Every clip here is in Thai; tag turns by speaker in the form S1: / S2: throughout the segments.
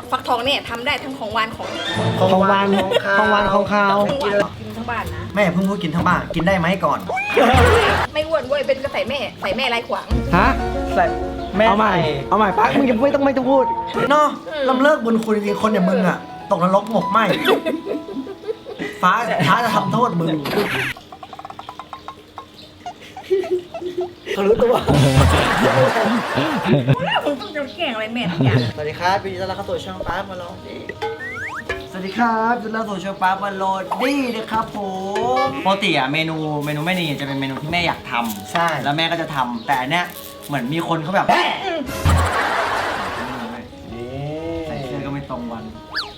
S1: ฟักทองเนี่ยทำได้ทั้งของหวานของ
S2: ของหวานของคาว
S1: กินทั้งบ้านนะ
S3: แม่เพิ่งพูดกินทั้งบ้านกินได้ไหมก่อน
S1: ไม่อ้วนเว้ยเป็นก็ใส่แม่ไรขวาง
S2: ฮะ
S3: ใส่แม่
S2: เอาใหม่ปักมึงจะไม่ต้องพูด
S3: เนาะลำเลิกบุญคุณจริงๆคนอย่างมึงอ่ะตกนรกหมกไหมฟ้าจะทำโทษมึงเขารู้ตัว
S1: มึงต้องจะแกล้งอะไรแม่ทุกอย่าง
S3: สวัสดีครับพี่ต้อนรับเข้าสู่ช่องป้ามาโลดีสวัสดีครับต้อนรับสู่ช่องป้ามาโลดีนะครับผมปกติอะเมนูแม่นี่จะเป็นเมนูที่แม่อยากทำใช่แล้วแม่ก็จะทำแต่อันเนี้ยเหมือนมีคนเขาแบบใส่เสื้อก็ไม่ตรงวัน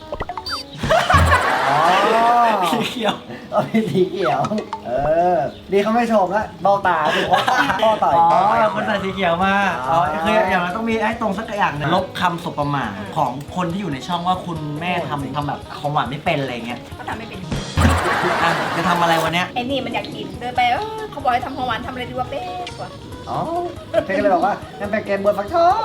S3: สีเขียวเอาเป็นสีเขียวดีเขาไม่ชมแล้วเบ้าตาดูพ่อต่อยคนใส่สีเขียวมาคืออย่างนั้นต้องมีให้ตรงสักอย่างนึงลบคำสบประมาทของคนที่อยู่ในช่องว่าคุณแม่ทำแบบของหวานไม่เป็นอะไรเงี้ย
S1: เขาทำไม่เป็น
S3: จะทำอะไรวันเนี้ย
S1: ไอ้นี่มันอยากกินเดินไปเขาบอกให้ทำของหวานทำอะไรดีวะเป๊ะกว่า
S3: อ๋อเพ่ก็เลยบอกว่างั้นเป็นแกงบวนฟักทอง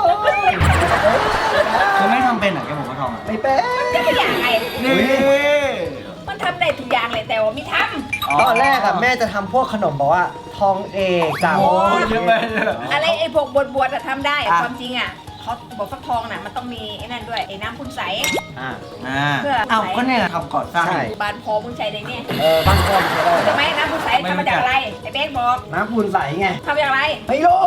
S3: คือไม่ทำเป็นเหรอแกงบวนฟักทองไม่เป็น
S1: จะไม่อยากไง
S3: นี่
S1: มันทำได้ทุกอย่างเลยแต่ว่าไม่ท
S3: ตอนแรกอะแม่จะทำพวกขนมบอกว่าทองเอกจ่าโอ้ยเยอะไป
S1: ำอะไรไอ้พวกบวชทำได้ความจริงอ่ะเขาบอกฟักทองน่ะมันต้องมีไอ้นั่นด้วยไอ้น้ำคุณใส เพื่อ
S3: เอาก็เนี่ยทำก่อนสร้าง
S1: บานพอมึงใช้ได้เนี่ย
S3: บ้านพ่อใช่ได้
S1: ทำไมน้ำคุณใสทำมาจากอะไรไอ้เบ๊กบอก
S3: น้ำปูนใสไง
S1: ทำมาจากอะไร
S3: ไม่รู้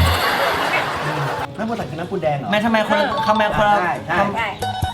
S3: น้ำปูนใสคือน้ำปูนแดงเหรอแม่ทำไมคนละใช่
S1: ได้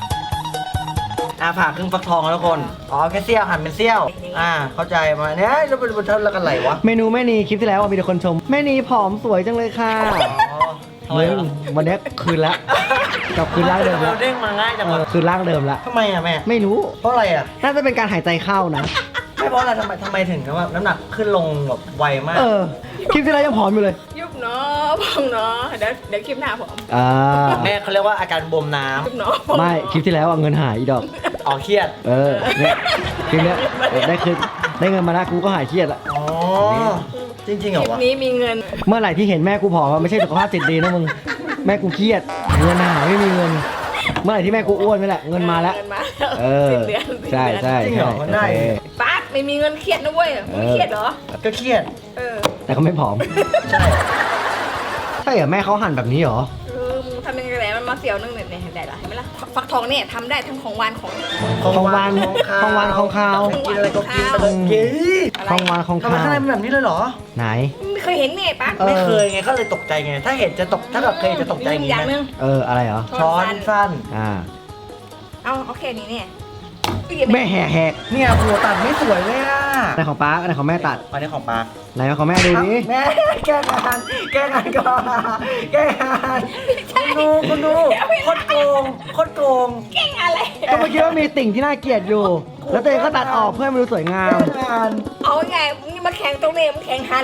S3: ผ่าครึ่งฟักทองแล้วทุกคนแค่เสี้ยวหั่นเป็นเสี้ยวเข้าใจมาเนี่ยแล้วเป็นแล้วกันไหลวะ
S2: เมนูแม่นีคลิปที่แล้วมีแต่คนชมแม่นีผอมสวยจังเลยค่ะมึงวันนี้คืนละกลับคืนร่างเดิมละ
S3: เด้งมาง่ายจังวะ
S2: คืนร่างเดิมละ
S3: ทำไมอะแม่
S2: ไม่รู้
S3: เพราะอะไรอะ
S2: น่าจะเป็นการหายใจเข้านะ
S3: ไม่เพราะอะไรทำไมถึงว่าน้ำหนักขึ้นลงแบบไวมาก
S2: คลิปที่แล้วยังผอมอยู่เลย
S1: ยุบเนาะพองเนาะเดี๋ยวคลิปหน้าผม
S3: แม่เขาเรียกว่าอาการบวมน้
S1: ยุบเนาะ
S2: ไม่คลิปที่แล้วเงินหายอีดอก
S3: ำเครียด
S2: เนี่ยคลิปเนี้ยได้เงินมาแล้วกูก็หายเครียดละ
S3: จริงๆเหรอ
S1: คลิป
S3: วะ
S1: นี้มีเงิน
S2: เมื่อไหร่ที่เห็นแม่กูผอมไม่ใช่สุขภาพจิตดีนะมึงแม่กูเครียดเงินหายไม่มีเงิน เมื่อไหร่ที่แม่กูอ้วนนี่แหละเงินมาแล้ว
S1: เงินมา
S2: ใช่
S1: ป๊าดไม่มีเงินเครียดนะเว้ยมึงเครียดเหรอ
S3: ก็เครียด
S2: แต่ก็ไม่ผอม
S3: ใช่
S2: ใช่เหรอแม่เขาหั่นแบบนี้เหรอ
S1: มึงทำยังไงแหละมันมาเสียวนึงเนี่ยได้ละเห็นไหมล่ะฟักทองเนี่ยทำได้ทั้งของหวานของ
S2: ของหวานของคาว
S3: กินอะไรก็กินไปเลยกิน
S2: ของหวานของ
S3: ทำไม
S2: คาว
S3: ข้างในเป็นแบบนี้เลยเหรอ
S2: ไหน
S1: ไม่เคยเห็นเนี่ยป๊า
S3: ไม่เคยไงก็เลยตกใจไงถ้าเห็นจะตกถ้าแบบเคยจะตกใจอย่าง
S1: อ
S3: นี้
S1: ย่าง
S3: ไหม
S1: นึง
S2: อะไรเหรอ
S3: ช้อนสั้น
S1: เอาแค่นี้เนี่ย
S2: แม่แหก
S3: เนี่ยหัวตัดไม่สวยเลยอ่ะ
S2: ในของป้าในของแม่ตัด
S3: อันนี้ของปลา
S2: ไหนของแม่ดูดิ
S3: แม่แก้งานก่อนแก้งานคุณดูโคตรโกง
S1: เก่งอะไร
S2: ก็เมื่อกี้ว่ามีติ่งที่น่าเกลียดอยู่ แล้วตัวเองก็ตัดออกเพื่อให้มันดูสวยงาม
S3: แก้งาน
S1: เอาไงนี่มาแข่งตรงนี้มาแข่งหัน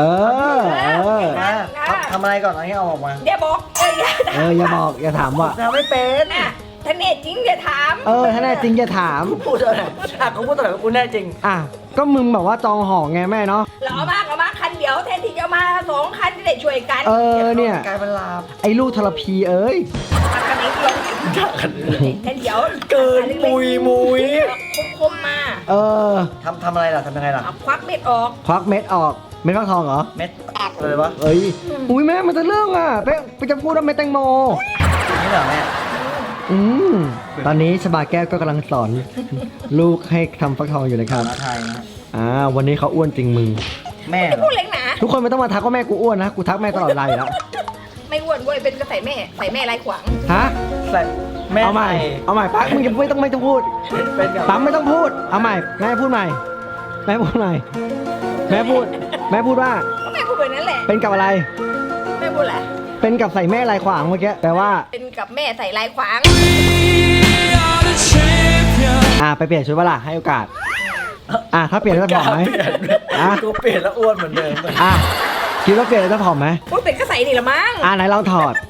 S3: ทำอะไรก่อนอันนี้เอาออกมา
S1: อย่าบอก
S2: อย่าบอกอย่าถามว่า
S3: ทำไม่เป็น
S1: นะถ้าเน่จริงอย่าถาม
S2: ถ้าแน่จริงอย่าถาม
S3: พูดอะไรเขาพูดอะไรว่ากูแน่จริง
S2: ก็มึงแบบว่าจองหอไงแม่เนาะ
S1: เราเอามาคันเดียวแทนที่จะมา2 คันจะได้ช่วยกัน
S2: เนี่ย
S3: กลายเป็นลาบ
S2: ไอ้ลูกทรพีเอ้ย
S1: คันนี้ลงแทนเดียว
S3: เกินมุย
S1: คมมา
S3: ทำอะไรล่ะทำยังไงล่ะ
S1: ควักเม็ดออก
S2: ควักเม็ดออกเม็ดฟักทองเหรอ
S3: เม็ดเลยวะ
S2: อุ้ยแม่มันจะเรื่องไปจะพูดว่าเม็ดแตงโม
S3: นี่เหรอแม่
S2: ตอนนี้ชบาแก้วก็กำลังสอน ลูกให้ทำฟักทองอยู่นะครับ
S3: ไทยนะ
S2: วันนี้เขาอ้วนจริงมึง
S3: แม่
S1: พูดเล็กนะ
S2: ทุกคนไม่ต้องมาทักว่าแม่กูอ้วนนะ กูทักแม่ตลอดเวลาอยู่แล้ว
S1: ไม่อ้วนเว้ยเป็นก็ใส่แม่ไรขวาง
S2: ฮะ
S3: ใส่แม่
S2: เอาใหม่ปั๊กมึงจะไม่ต้องพูด
S3: เป็นกับ
S2: ปั๊มไม่ต้องพูด เอาใหม่แม่พูดใหม่แม่พูดใหม่แม่พูดว่า
S1: ก็แม่พูดแบบนั้นแหละ
S2: เป็นกับอะไร
S1: แม่พูดแหละ
S2: เป็นกับใส่แม่ลายขวางเมื่อกี้แปลว่า
S1: เป็นกับแม่ใส่ลายขวาง
S2: ไปเปลี่ยนชุดเวลาให้โอกาสถ้าเปลี่ยนแล้วจะผอมไหม
S3: กูเปลี่ยนแล้วอ้วนเหมือนเดิม
S2: คิดว่าเปลี่ยนแล้วจะผอมไหม
S1: พูดเป็นก็ใส่นี่ละมั้ง
S2: ไหนลองถอด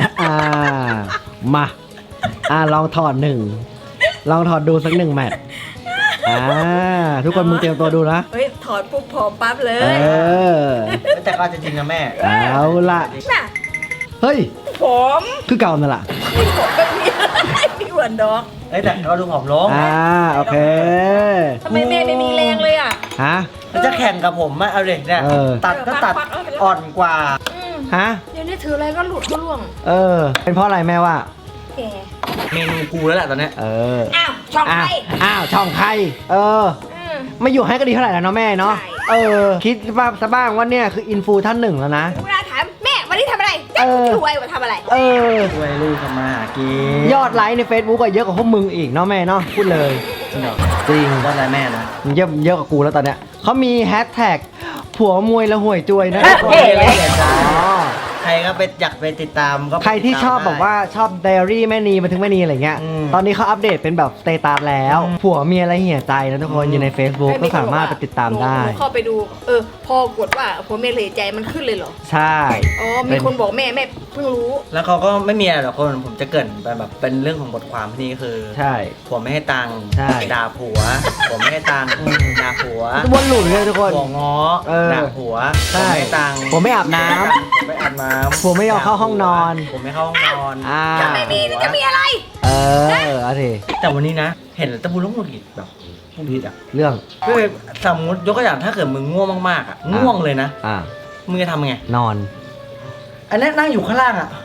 S2: มาลองถอดลองถอดดูสัก1 แมตช์ทุกคนมึงเตรียมตัวดูนะ
S1: เฮ้ยถอดปุ๊บผอมปั๊บเลย
S3: แต่ก็จะจริงนะแม่
S2: เอาล่ะ
S1: น่ะ
S2: เฮ้ย
S1: ผม
S2: คือเก่านั่นแหละ
S1: ผมไม่มีอะไรดีกว่าวนดอก
S3: เอ้ยแต่เราดูผอมลง
S2: โอเค
S1: ทำไมแม่ไม่มีแรงเลยอ่ะ
S2: ฮะ
S3: มันจะแข่งกับผมอะเอาเลยเนี่ย
S2: เออ
S3: ตัดก็ตัดอ่อนกว่า
S2: ฮะ
S1: เดี๋ยวนี้ถืออะไรก็หลุดก็ร่วง
S2: เป็นเพราะอะไรแม่ว่า
S1: แก
S3: เมนูกูแล้วแหละตอนเนี้ย
S1: อ้าวช่องไฟ
S2: อ้าวช่องใครไม่อยู่ให้ก็ดีเท่าไหร่แล้วเนาะแม่เนาะ
S1: ใช่
S2: คิดว่าซะบ้างว่าเนี่ยคืออินฟูท่านหนึ่งแล้วนะ
S1: เวลาถามแม่วันนี้ทำอะไรรวยว่าทำอะไร
S3: ช่วยลูกทำมาหากิน
S2: ยอดไลค์ใน Facebook ก็เยอะกว่าพวกมึงอีกเนาะแม่เนาะพูดเลย
S3: จริงเหรอ
S2: จริง
S3: ยอดอะไรแม่นะ
S2: เยอะกว่ากูแล้วตอนเนี้ยเขามีแฮชแท็กผัวมวยละห่วยจวยนะ
S3: เฮ้ยเลยใครก็ไปอยากไปติดตามก็
S2: ใครที่ชอบบอกว่าชอบไดอารี่แม่นีมาถึงแม่นีอะไรเงี้ย ตอนนี้เขาอัปเดตเป็นแบบสเตตัสแล้ว ผัวเมียอะไรเหี่ยใจนะทุกคนอยู่ใน Facebook ก็สามารถไปติดตามได้
S1: หนูเข้าไปดูพอกดว่าผมแม่เลยใจมันขึ้นเลยเหรอ
S2: ใช่
S1: อ๋อมีคนบอกแม่เพิ่งรู้
S3: แล้วเขาก็ไม่มีอะไรหรอกคนผมจะเกรินไปแบบเป็นเรื่องของบทความที่นี่คือ
S2: ใช่
S3: ผัวไม่ให้ตังค์
S2: ใช่
S3: ด่าผัวผัวไม่ให้ตังค์ด่าผัว
S2: วนหลุดเลยทุกคน
S3: ผัวง้อด่าผัว
S2: ใช่
S3: ผัวไม่ให้ตังค์
S2: ผัวไม่อาบน้ำ
S3: ผัวไม่อาบน้ำ
S2: ผัวไม่ยอมเข้าห้องนอน
S3: ผัวไม่เข้าห้องนอน
S1: จะไม่มีจะมีอะไร
S2: เอาสิ
S3: แต่วันนี้นะ เห็นแล้วตะบูแล้วหงุดหงิดแบบหงุดหงิดอ่ะ
S2: เรื่อง
S3: คือสมมติยกตัวอย่างถ้าเกิดมึงง่วงมากๆอ่ะง่วงเลยนะ มึงจะทำไง
S2: นอน
S3: อันนี้นั่งอยู่ข้างล่างอ่ะ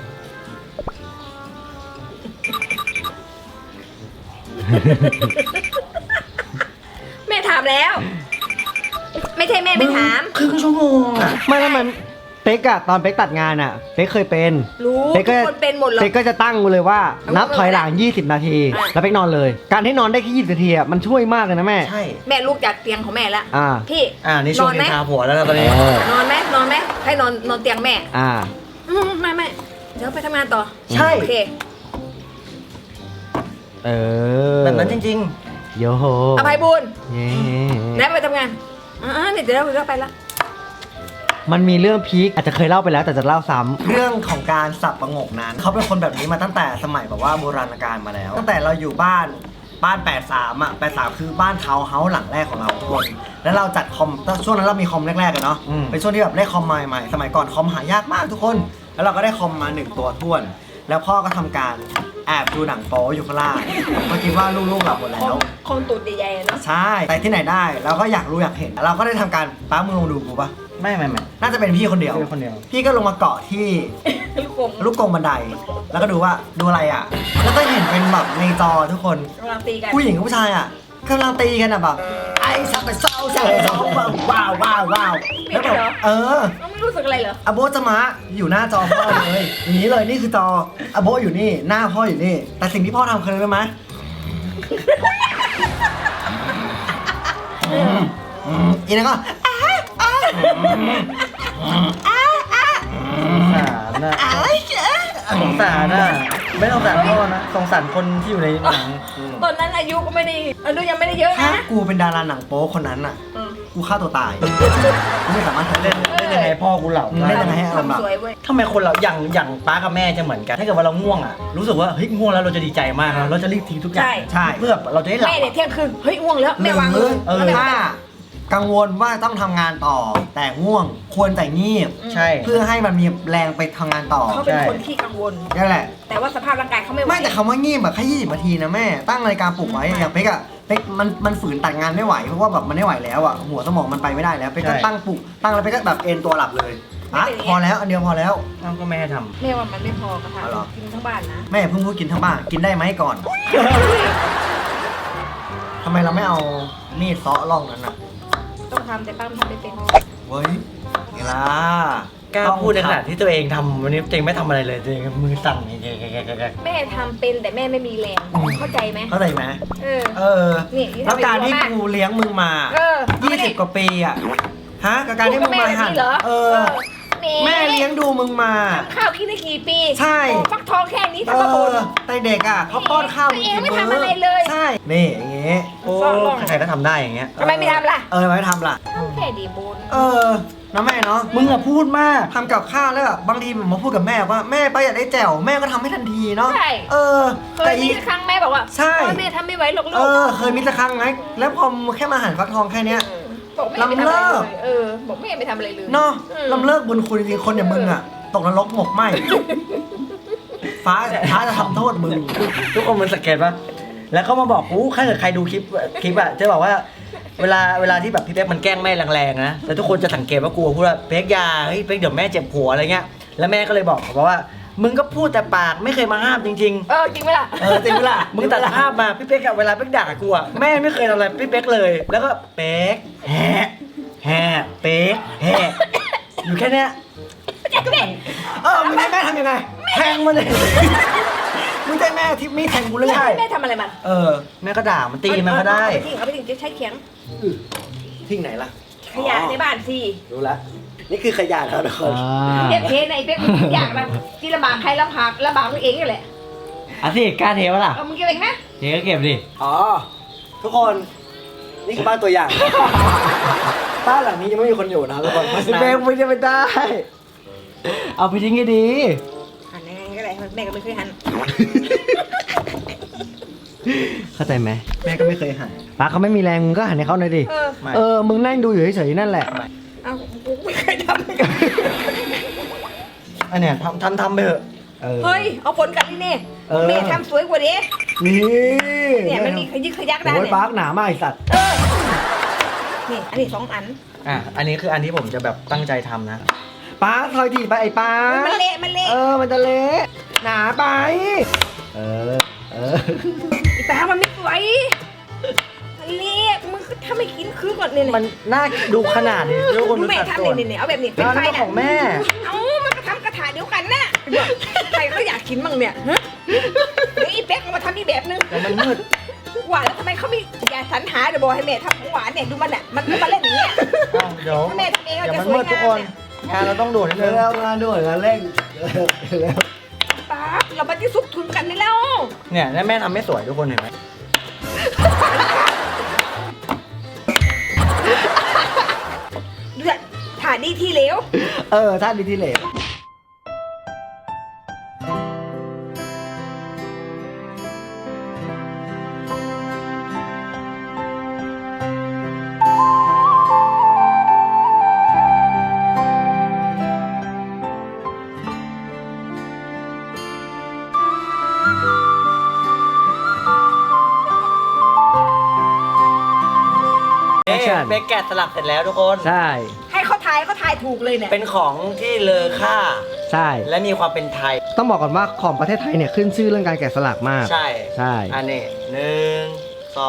S1: แม่ถามแล้ว ไม่ใช่แม่ไม่ถาม
S3: ครึ่งชั่วโมงอ่ะ
S2: ไม่แล้วมันเป๊กอะตอนเป๊กตัดงานอะเป๊กเคยเป็น
S1: รู้
S2: เป๊ก
S1: ทุ
S2: ก็
S1: กคนเป็นหมดหรอก
S2: เป๊กก็จะตั้งเลยว่า นับถอยหลัง 20 นาที แล้วเป๊กนอนเลย การที่นอนได้แค่20 นาทีอะมันช่วยมากเลยนะแม่
S3: ใช่
S1: แม่ลุกจากเตียงของแม่แล้ว พี่
S3: นี่ช่วง
S1: นอนไหม
S3: นินทาผัวแล้วนะตอนนี้
S1: นอนไหมให้นอนเตียงแม่ ไม่เดี๋ยวไปทำงานต่อ
S3: ใช่
S1: โอเค
S3: แบบนั้นจริง
S2: โยโห
S1: อภัยบุญ
S2: เย้
S1: แล้วไปทำงานเดี๋ยวเราไปละ
S2: มันมีเรื่องพีคอาจจะเคยเล่าไปแล้วแต่จะเล่าซ้
S3: ๆ เรื่องของการสับประงกนั้นเขาเป็นคนแบบนี้มาตั้งแต่สมัยแบบว่าโบราณกาลมาแล้ว ตั้งแต่เราอยู่บ้าน 83อ่ะ83คือบ้านทาวน์เฮาส์หลังแรกของเราทุกคนแล้วเราจัดคอมช่วงนั้นเรามีคอมแรกๆกันเนาะเป็นช่วงที่แบบได้คอมใหม่ๆสมัยก่อนคอมหายากมากทุกคน แล้วเราก็ได้คอมมา1ตัวท้วน แล้วพ่อก็ทำการแอบดูหนังโป๊อยู่ข้างล่างเพราะคิดว่าลูกๆหลับหมดแล้ว
S1: คงตูดใหญ่ๆเนาะ
S3: ใช่แต่ที่ไหนได้เราก็อยากรู้อยากเห็นเราก็ได้ทำการป้ามึงลงดูกูปะไม่น่าจะเป็นพี่คนเดียวพี่ก็ลงมาเกาะที่ ลูกกรงบันได แล้วก็ดูว่าดูอะไรอ่ะ แล้วก็เห็นเป็นแบบในจอทุกคน
S1: กำลังตีกัน
S3: ผู้หญิงกับผู้ชายอ่ะกำลังตีกันอ่ะแบบไอ้สับไปเศร้าว้าวแล้วแบบ
S1: ไม่รู้สึกอะไรเหรอ
S3: อโบจะมาอยู่หน้าจอพ่อเลยอย่างนี้เลยนี่คือจออโบอยู่นี่หน้าพ่ออยู่นี่ แต่สิ่งที่พ่อทำคืออะไรรู้ไหมอีนั่นก็สงสารนะไม่สงสารพ่อนะสงสารคนที่อยู่ในหนัง
S1: ตอนนั้นอายุก็ไม่ได้ยังไม่ได้เยอะ
S3: ถ้า
S1: นะ
S3: กูเป็นดาราหนังโป๊คนนั้นอ่ะกูฆ่าตัวตายกูไม่สามารถเล่นยังไงพ่อกูเหล่าเล่นยังไงให้อารมณ์แบบทำไมคนเราอย่างป้ากับแม่จะเหมือนกันถ้าเกิดว่าเราง่วงอ่ะรู้สึกว่าเฮ้ยง่วงแล้วเราจะดีใจมากเราจะรีบทิ้งทุกอย่างใช่เพื่อเราจะได้หลับ
S1: แม่เนี่ยเที่ยงคืนเฮ้ยง่วงแล้วแม่วางเลย
S3: ถ้ากังวลว่าต้องทำงานต่อแต่ง่วงควรแต่งีบใช่เพื่อให้มันมีแรงไปทำงานต่อ
S1: เขาเป็นคนที่กังวล
S3: นั่นแหละ
S1: แต่ว่าสภาพร่างกายเขาไม่ไหว
S3: ไม่แต่คำว่างีบแบบแค่20 นาทีนะแม่ตั้งนาฬิกาปลุกไว้อย่างเป๊กอะเป๊กมันฝืนตัดงานไม่ไหวเพราะว่าแบบมันไม่ไหวแล้วอะหัวสมองมันไปไม่ได้แล้วเป๊กก็ตั้งปลุกตั้งแล้วเป๊กก็แบบเอนตัวหลับเลยพอแล้วอันเดียวพอแล้วก็แม่ทำ
S1: แม่ว่ามันไม่พอกระทะกินทั้งบ้านนะ
S3: แม่เพิ่งพูดกินทั้งบ้านกินได้ไหมก่อน ทำไมเราไม่เอามีดเซาะร่องนั้นอะ
S1: ต้องทำแต่ป้าทำไม่เป็น
S3: เว้ยนี่ล่ะกล้าพูดในขณะที่ตัวเองทำวันนี้ตัวเองไม่ทำอะไรเลยตัวเองมือสั่น
S1: แม่ทำเป็นแต่แม่ไม่มีแรงเข้าใจไหม
S3: เข้าใจไหม
S1: นี่
S3: แล้วการที่กูเลี้ยงมึงมา20 กว่าปีอะฮะกับการที่มึงมาหันแม่เลี้ยงดูมึงมา
S1: ข้าวกินได้กี่ปี
S3: ใช่
S1: ฟักทองแค่นี้ทำมาบ่น
S3: แต่เด็กอะเขาป้อนข้าวมึง
S1: เองไม่ทำอะไรเลย
S3: ใช่นี่อย่างเงี้ยโอ้ใครก็ทำได้อย่างเงี้ย
S1: ทำไมไม่ทำล่ะ
S3: ไม่ทำล่ะ
S1: แค่ดีบุญ
S3: นะแม่เนาะมึงอะพูดมากทำกับข้าวแล้วแบบบางทีผมมาพูดกับแม่ว่าแม่ป้าอยากได้แจ่วแม่ก็ทำให้ทันทีเนาะ
S1: ใช่เคยมีครั้งแม่บอกว่าใช่แม่ทำไม่ไหวหรอกลูก
S3: เคยมีสักครั้งไงแล้วพอแค่มาหั่นฟักทองแค่เนี้ย
S1: ลำเลิกบอกแม่ไม่ทำอะไรเลย
S3: เนาะลำเลิกบุญคุณจริงๆคนอย่างมึงอะตกนรกหมกไหมฝฟ้าจะทำโทษมึงทุกคนมันสังเกตปะแล้วก็มาบอกกูถ้าเกิดใครดูคลิปอะจะบอกว่าเวลาที่แบบพี่เป๊กมันแกล้งแม่แรงๆนะแล้วทุกคนจะสังเกตว่ากูพูดว่าเป๊กยาเฮ้ยเป๊กเดี๋ยวแม่เจ็บหัวอะไรเงี้ยแล้วแม่ก็เลยบอกว่ามึงก็พูดแต่ปากไม่เคยมาห้ามจริง
S1: จริงไหมล่ะ
S3: จริงไหมล่ะมึงตัดภาพมาพี่เป๊กอะเวลาเป๊กด่ากูอะแม่ไม่เคยทำอะไรพี่เป๊กเลยแล้วก็เป๊กแห่เป๊กแห่อยู่แค่เนี้ยมึงให้แม่ทำยังไงแทงมันเลยมึงใจแม่ทิปมีแทงกูเลย
S1: แม่ทำอะไรมัน
S3: แม่ก็ด่ามันตีมันก็ได้
S1: เอาไปทิ้งจะใช้เขียง
S3: ทิ้งไหนล่ะ
S1: ขยะในบ้านสิ
S3: รู้แล้วนี่คือขยะครับทุกคน
S1: เด็กเทในเป๊กอยากมันที่ลำบากใครลำบากตัวเองนี่แหละ
S2: สิกล้าเทวะล่ะ
S1: มึงเก็บเองนะ
S2: เทก็เก็บดิ
S3: ทุกคนนี่คือบ้านตัวอย่างบ้านหลังนี้ยังไม่มีคนอยู่นะทุกคน
S2: แม่ไม่ได้เอาไปทิ้งให้ดี
S1: หันยังไงก็ได้แม่ก็ไม่เคยหัน
S2: เข้าใจไหม
S3: แม่ก็ไม่เคยหัน
S2: ป้าเขาไม่มีแรงมึงก็หันให้เขาหน่อยดิมึงนั่งดูอยู่เฉยๆนั่นแหละ
S1: กูไม่เคยทำ
S3: อันเนี้ยทำไปเถอะ
S1: เฮ้ยเอาผลกันนี่แม่ทำสวยกว่านี้เนี่ยมันมีขยักได้
S2: เนี่ยโอ้ยปาร์คหนามากไอสัตว์
S1: นี่อันนี้2 อัน
S3: อันนี้คืออันที่ผมจะแบบตั้งใจทำนะ
S2: ป้าถอยทีไปไอ้ป้า
S1: มันเละ
S2: มันจะเละหนาไป
S1: ไอ้ป้ามันไม่สวยมันเละมึงถ้าไม่กินคือก่อนเนี่ย
S3: มันน่าดูขนาดนี้ทุกคน
S1: แม่ทำเนี่ยเอาแบบนี้เป็นไฟ
S3: ของแม่
S1: มันก็ทำกระถาเดียวกันนะใครเขาอยากกินมั่งเนี่ยเดี๋ยวอีเป๊กมาทำอีแบบนึง
S3: แต่มันมืด
S1: หวานแล้วทำไมเขาไม่อย่าสรรหาเดี๋ยวบอกให้แม่ทำของหวานเนี่ยดูมันอ่ะมันมาเล่นอย่างเงี้ย
S3: เดี๋ยว
S1: แม่ทำเองจะสวยงามเนี่ย
S3: งานเราต้องด่วนเลย
S2: แล้วงานด่วนงานเร่งแล้ว
S1: ป้าเราไปที่ซุกทุนกันนี่แล้ว
S3: เนี่ยแม่ทำไม่สวยทุกคนเห็นไหม
S1: เดือดถ่ายดีที่เหลว
S2: ท่าดีที่เหลว
S3: เบกแกะสลักเสร็จแล้วทุกคน
S2: ใช่
S1: ให้เขาทายถูกเลยเนี่ย
S3: เป็นของที่เลอค่า
S2: ใช่
S3: และมีความเป็นไทย
S2: ต้องบอกก่อนว่าของประเทศไทยเนี่ยขึ้นชื่อเรื่องการแกะสลักมาก
S3: ใช่อันนี้1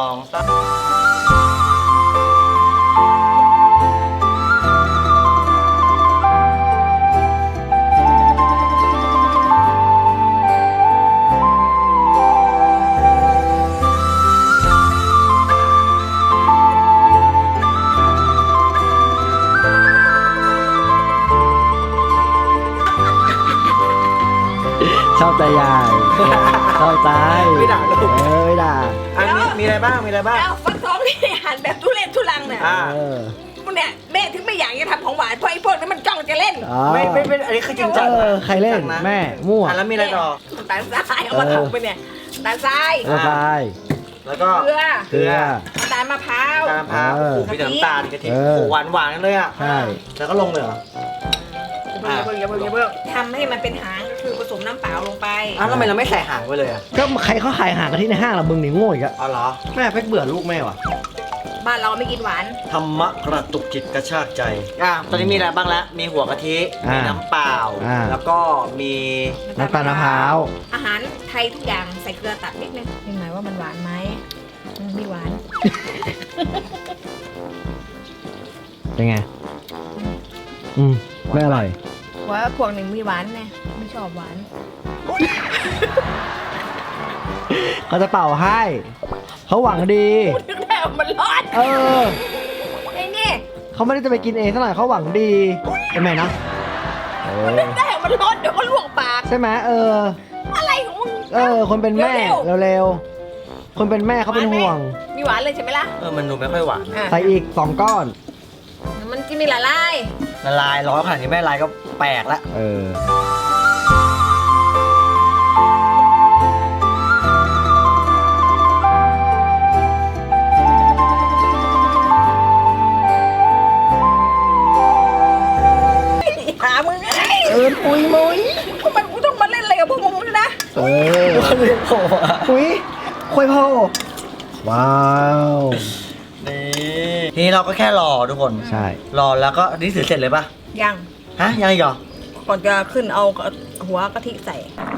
S2: 2 3ชอบใจใหญ่ชอบใจ
S3: ไม่ด่าลูก
S2: ไม่ด่า
S3: อันนี้มีอะไรบ้าง
S1: ฟักทองที่หันแบบทุเรศทุลังเนี่ยเนี่ยแม่ถึงไม่อยากจะทำของหวานเพราะไอ้พวกนั้นมันจ้องจะเล่น
S3: ไม่อันนี้คือจริงจัง
S2: ใครเล่นแม่มั่ว
S3: แล้วมีอะไรต่อ
S1: ตาลทรายเอามาถกไปเนี่ยตาลทราย
S3: แล้วก็
S1: เกลือตาลมะพร้าว
S3: มีน้ำตาลกะทิหวานเลยอ่ะ
S2: ใช่
S3: แล้วก็ลงเลยเหรอ
S1: อย่าเพิ่งทำให้มันเป็นหางคือผสมน้ำเปล่าลงไป
S3: ทำไมเราไม่ใส่หางไปเลย
S2: ก็ใครเขาขายหางกันที่ในห้างล่ะมึงนี่โง่อีกอะ
S3: เหรอ
S2: แม่เป๊กเบื่อลูกแม่ว่ะ
S1: บ้านเราไม่กินหวาน
S3: ธรรมะกระตุกจิตกระชากใจตอนนี้มีอะไรบ้างแล้วมีหัวกะทิมีน้ำเปล่าแล้วก็มี
S2: น้ำตาลมะพร้าว
S1: อาหารไทยทุกอย่างใส่เกลือตัดนิดนึงเห็นไหมว่ามันหวานไหมไม่หวาน
S2: เป็นไงไม่อร่อย
S1: ว่าพวกหนึ่งมีหวานไงไม่ชอบหวาน
S2: เขาจะเป่าให้เขาหวังดี
S1: นึกได้มันร้อนไอ้นี่
S2: เขาไม่ได้จะไปกินเองเท่าไหร่เขาหวังดีใช่ไหมนะ
S1: นึกได้มันร้อนเดี๋ยวก็ลวกปาก
S2: ใช่ไหม
S1: อะไรของมึง
S2: คนเป็นแม่เร็วๆคนเป็นแม่เขาเป็นห่วง
S1: มีหวานเลยใช่ไหมล่ะ
S3: มันดูไม่ค่อยหวาน
S2: ใส่อีก2 ก้อน
S1: มันจะมีละลาย
S3: ร้อนขนาดนี้แม่ลายก็แปลกละ
S1: หามึงไง
S2: ปุยมุ้ย
S1: ทำไมกูต้องมาเล่นอะไรกับพวกมึงนะ
S3: คุยโพว้าวนี่ทีนี้เราก็แค่รอทุกคน
S2: ใช่
S3: รอแล้วก็นี่เสร็จเลยปะ
S1: ยัง
S3: ฮะยังอีกเหรอ
S1: ก่อนจะขึ้นเอาหัวกะทิใส่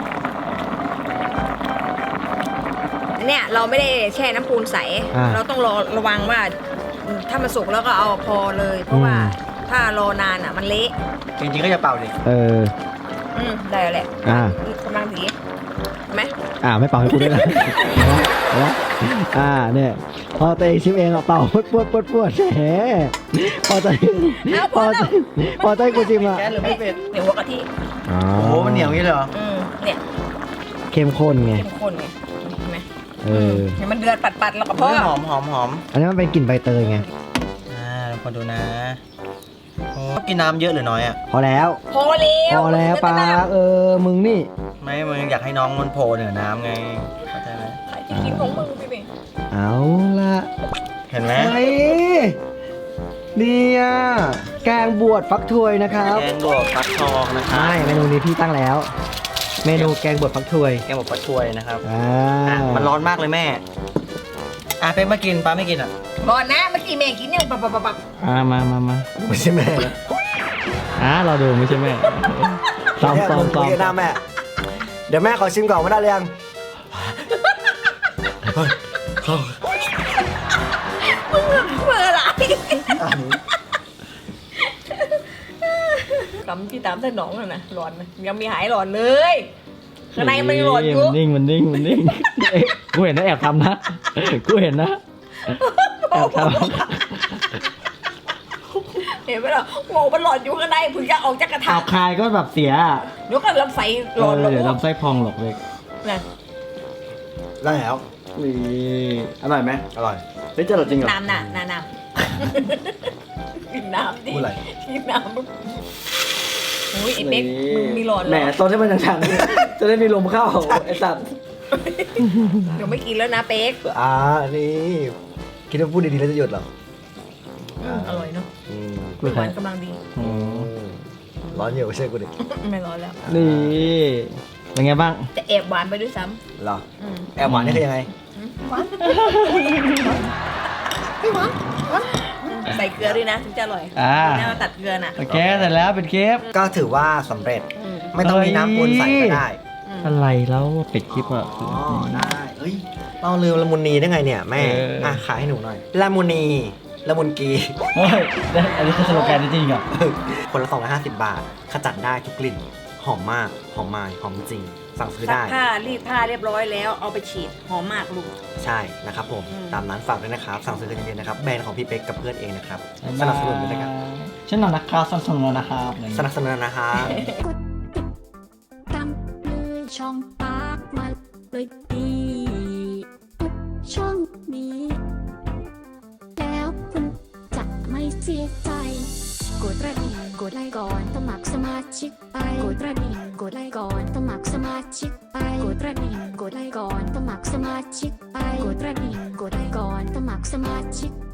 S1: อันเนี้ยเราไม่ได้แช่น้ำปูนใส เราต้องรอระวังว่าถ้ามันสุกแล้วก็เอาพอเลย เพราะว่าถ้ารอนานอ่ะมันเละ
S3: จริงๆก็จะเป่าดิ
S1: ได้แล้วแหละกำลังดีไหม
S2: ไม่เป่าให้กูด้วยนะเนี่ยพอตัวเองชิมเองเป่าปวดแหมพอตัวกูชิมอ่ะ
S3: แก๊สหรือไม่เป็ด
S1: เหนียวหัวกะทิ
S3: โอ้โหมันเหนียวอย่างนี้เลยเหรอ
S1: เนี่ย
S2: เข้มข้นไง
S1: เข้มข้นไงเห็นไหม
S2: เนี่ย
S1: มันเดือดปัดๆแล้วก็พอ
S3: หอมหอมหอม
S2: อันนี้มันเป็นกลิ่นใบเตยไง
S3: เราคนดูนะโอ้กินน้ำเยอะหรือน้อยอ่ะ
S2: พอแล้ว
S1: พอแล้ว
S2: ปลามึงนี่
S3: ไม่มึงอยากให้น้องมันโผล่เหนือน้ำไงเข้าใจไหม
S1: ใครจะกินของมึงพี่เบง
S2: เอาละ
S3: เห็นไหม
S2: เฮ้ยเนี่ยแกงบวชฟักถวยนะครับ
S3: แกงบวกฟักทองนะครับ
S2: ใช่เมนูนี้พี่ตั้งแล้ว เมนูแกงบวชฟักถวย
S3: แกงบวกฟักช่วยนะครับ
S2: มั
S3: มันร้อนมากเลยแม่เป๊กมากินป้าไม่กินอ่ะ
S1: ก่อนนะเมื่อกี้แม่กินเนี่ยปับ
S2: มา
S3: ไม่ใช่แม่นะ
S2: เราดูไม่ใช่แม่ซ้อม
S3: เวียดนามแม่เดี๋ยวแม่ขอชิมก่อนว่าได้หรือยัง
S1: เมื่อไรกำที่ตามเส้นหนองน่ะนะร้อนนะยังมีหายร้อนเลยข้างในมันร้อนอยู่
S2: มันนิ่งกูเห็นนะแอบทำนะกูเห็นนะแอบทำ
S1: เห็นไหมล่ะโง่มันร้อนอยู่ข้างในเพิ่งจะออกจากกระทะ
S2: คายก็แบบเสีย
S1: เดี๋ยวก็ลำไส้ร้อน
S2: เดี๋ยวลำไส้พองหรอกเล็ก
S1: นะ
S3: ได้แล้ว
S2: นี่อร่อยไหม
S3: อร่อย
S2: เฮ้ยจะอร่อยจริงเหรอ
S1: น้ำกินน้ำดิ
S3: พูดอะไร
S1: กินน้ำโอ้ยไอ้เป๊กมึงมีร้อนเหร
S2: แหม
S1: อ
S2: ตอนที่มันยังจะได้มีลมเข้าไอ้สัตว์
S1: เดี๋ยวไม่กินแล้วนะเป๊ก
S3: นี่คิดว่าพูดดีๆแล้วจะหยุดเหรอ
S1: อร่อยเนาะ
S2: ไม่
S1: หวานกำลังดี
S3: ร้อนอยู่ไม่ใช่กูดิ
S1: ไม่ร้อนแล้ว
S2: นี่เป็นไงบ้าง
S1: จะแอบหวานไปด้วยซ้
S3: เหรอ
S1: ำ
S3: แอบหวานนี่คือยังไง
S1: หวานใส่เกลือด้วยนะถึงจะอร่อยนี่เราตัดเกลือน่ะ
S2: โอเคเสร็จแล้วเป็นเคฟ
S3: ก็ถือว่าสำเร็จ ไม่ต้องมีน้ำปูนใส่ก็ได้
S2: อะไรแล้วปิดคลิปอ่ะ
S3: ได้เฮ้ยเราลืมละมุนนีได้ไงเนี่ยแม่ขายให้หนูหน่อยละมุนนีละมุนกี
S2: เฮ้ยอันนี้คือสโลแกนจริงเหรอ
S3: คนละ250 บาท ขจัดได้ทุกกลิ่น หอมมาก หอมมายหอมจริง สั่งซื้อ
S1: ซัก
S3: ได้
S1: ผ้ารีดผ้าเรียบร้อยแล้วเอาไปฉีดหอมมากลูก
S3: ใช่นะครับผม ตามร้านฝากด้วยนะครับ สั่งซื้อกันเยอะๆนะครับ แบรนด์ของพี่เป๊กกับเพื่อนเองนะครับ สนับสนุนด้วยนะครับ
S2: ฉันนอนนะครับสนับสนุนนะครับ
S3: สนับสนุนนะครับ
S4: กดติดตามเลยช่องปากมาเลยดีทุกช่องนี้ แล้วคุณจะไม่เสียใจ กดกระดิ่งกดไลค์ก่อนสมัครสมาชิกไปกดกระดิ่งกดไลค์ก่อนสมัครสมาชิกไปกดกระดิ่งกดไลค์ก่อนสมัครสมาชิกไปกดกระดิ่งกดไลค์ก่อนสมัครสมาชิก